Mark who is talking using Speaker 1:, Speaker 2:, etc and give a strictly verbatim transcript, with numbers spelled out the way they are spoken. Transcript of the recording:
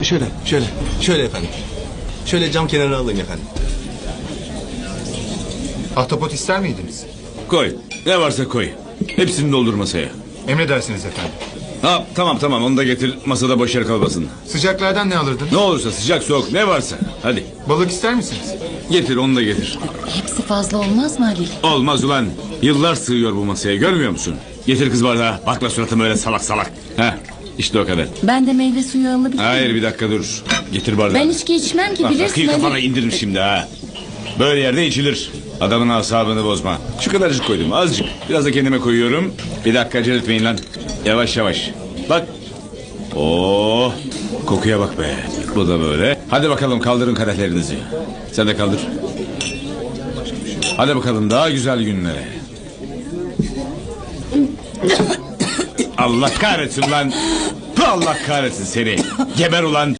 Speaker 1: Şöyle, şöyle, şöyle efendim. Şöyle cam kenarına alın efendim.
Speaker 2: Ahtapot ister miydiniz?
Speaker 3: Koy. Ne varsa koy. Hepsini doldur masaya.
Speaker 2: Emredersiniz efendim.
Speaker 3: Ha, tamam tamam onu da getir. Masada boş yer kalmasın.
Speaker 2: Sıcaklardan ne alırdınız?
Speaker 3: Ne olursa sıcak soğuk ne varsa. Hadi.
Speaker 2: Balık ister misiniz?
Speaker 3: Getir onu da getir.
Speaker 4: Hepsi fazla olmaz mı Halil?
Speaker 3: Olmaz ulan. Yıllar sığıyor bu masaya görmüyor musun? Getir kız bardağı. Bakma suratıma öyle salak salak. Ha, işte o kadar.
Speaker 4: Ben de meyve suyu alabilir miyim?
Speaker 3: Hayır bir dakika dur. Getir bardağı.
Speaker 4: Ben içki içmem ki
Speaker 3: Bak,
Speaker 4: bilirsin
Speaker 3: rakıyı kafana
Speaker 4: Halil.
Speaker 3: indiririm şimdi ha. Böyle yerde içilir. Adamın asabını bozma. Şu kadarcık koydum azıcık. Biraz da kendime koyuyorum. Bir dakika acele etmeyin lan. Yavaş yavaş. Bak. Oo, kokuya bak be. Bu da böyle. Hadi bakalım kaldırın kadehlerinizi. Sen de kaldır. Hadi bakalım daha güzel günlere. Allah kahretsin lan. Allah kahretsin seni. Geber ulan.